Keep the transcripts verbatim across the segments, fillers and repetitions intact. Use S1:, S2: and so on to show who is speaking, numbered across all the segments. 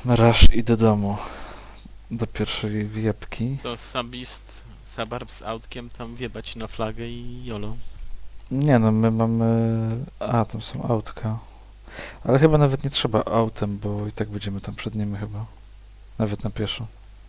S1: Rush i do domu. Do pierwszej wjebki.
S2: To Sabist, Sabarb z autkiem tam wjebać na flagę i jolo.
S1: Nie no, my mamy... A, tam są autka. Ale chyba nawet nie trzeba autem, bo i tak będziemy tam przed nimi chyba. Nawet na pieszo.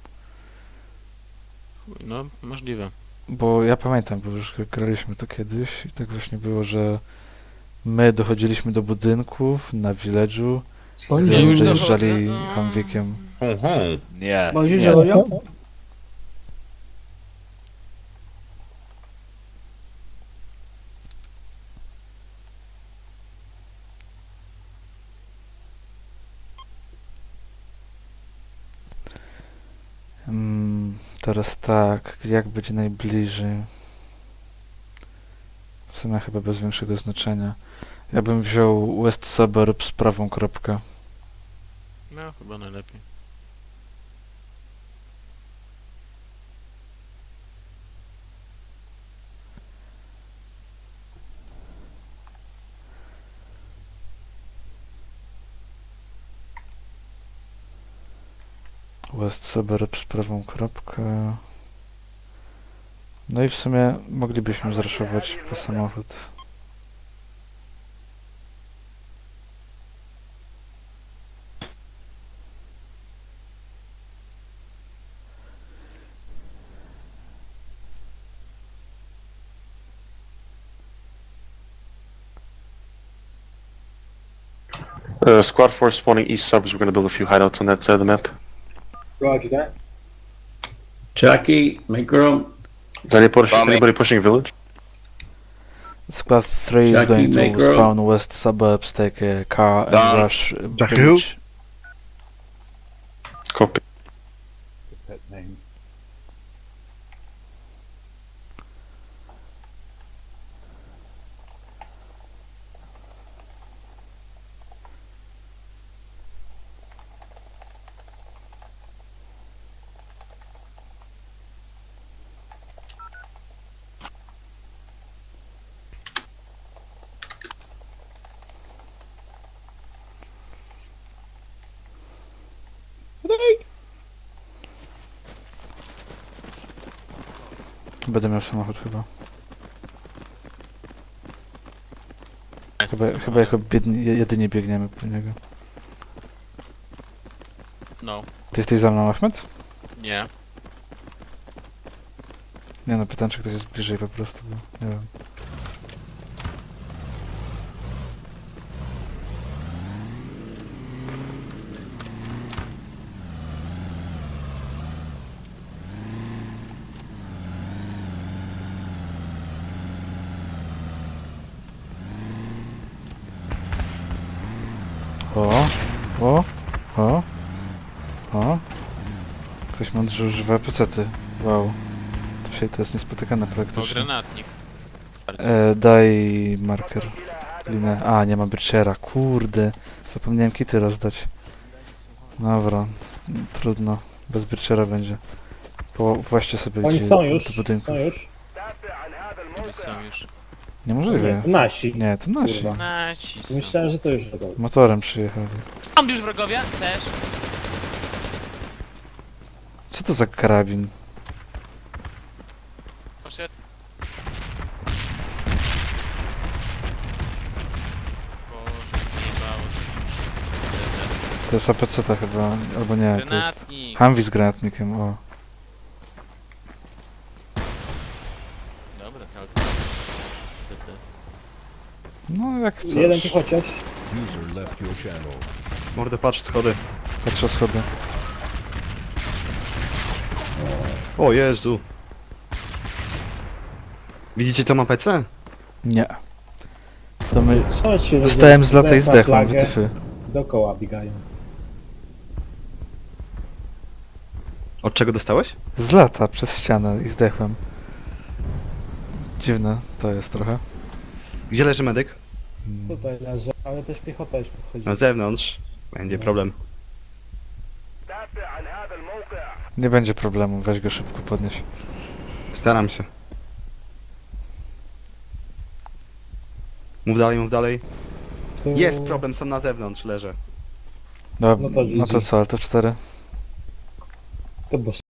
S2: Chuj, no, możliwe.
S1: Bo ja pamiętam, bo już graliśmy to kiedyś i tak właśnie było, że my dochodziliśmy do budynków na village'u, gdy
S2: Ja
S1: oni
S2: już
S1: dojeżdżali
S2: dochodzę.
S1: Humveekiem.
S3: Hum, hum.
S4: Nie.
S5: Bonjour,
S4: nie.
S5: Jérôme.
S1: Mm, teraz tak, jak będzie najbliżej? W sumie chyba bez większego znaczenia. Ja bym wziął West Suburbs prawą kropkę.
S2: No, chyba najlepiej.
S1: West Suburbs prawą kropkę. No i w sumie moglibyśmy zraszować po samochód.
S3: Uh, squad force spawning east suburbs. We're gonna build a few hideouts on that side of the map.
S5: Roger that.
S6: Jackie, micro.
S3: Is any push,
S4: Bombing.
S3: anybody pushing village?
S1: Squad three is
S6: Jackie,
S1: going to
S6: make room.
S1: spawn West Suburbs, take a car and
S4: Done.
S1: rush
S4: Jackie
S1: village.
S3: Copy.
S4: Pet name.
S1: Będę miał samochód chyba. Chyba, chyba jako biedni, jedynie biegniemy po niego.
S2: No,
S1: Ty jesteś za mną, Ahmed?
S2: nie.
S1: Nie no, pytam, czy ktoś jest bliżej po prostu, bo nie wiem. O, o, o, o. Ktoś mądrze używa pecety. Wow. To się to jest niespotykane
S2: To
S1: praktycznie.
S2: granatnik. Bardziej.
S1: E, daj marker. Linę. A, nie ma Birchera. Kurde. Zapomniałem kity rozdać. Dobra. Trudno. Bez Birchera będzie. Po, właśnie sobie
S5: Oni
S1: gdzie-
S5: są
S1: do
S5: już,
S1: budynku.
S5: są już.
S2: Niby są już.
S1: Niemożliwe.
S5: Nie, nasi.
S1: Nie, to nasi.
S5: Kurwa.
S2: Nasi są.
S5: Myślałem, że to już gotowe.
S1: Motorem przyjechali.
S2: Tam już wrogowie? Też.
S1: Co to za karabin?
S2: Poszedł. Boże, zjebało się.
S1: To jest A P C ta chyba. Albo nie, to jest...
S2: Granatnik.
S1: Humvee z granatnikiem, o.
S2: Dobra, to
S1: No jak chcesz.
S5: Jeden tu chociaż.
S7: User left your channel.
S3: Mordę, patrz, schody.
S1: Patrzę schody.
S3: O Jezu. Widzicie to ma P C?
S1: Nie. To my...
S5: Chodź się
S1: Dostałem z lata i
S5: zerwa
S1: zdechłem,
S5: flagę,
S1: wytyfy.
S5: Dookoła biegają.
S3: Od czego dostałeś?
S1: Z lata przez ścianę i zdechłem. Dziwne to jest trochę.
S3: Gdzie leży medyk?
S1: Mm.
S5: Tutaj leży, ale też piechota już podchodzi.
S3: Na zewnątrz. Będzie problem.
S1: Nie będzie problemu, weź go szybko podnieś.
S3: Staram się. Mów dalej, mów dalej.
S5: Tu...
S3: Jest problem, są na zewnątrz, leżę.
S1: No,
S5: No to
S1: no to
S5: G G.
S1: co, ale to cztery.
S5: To boss.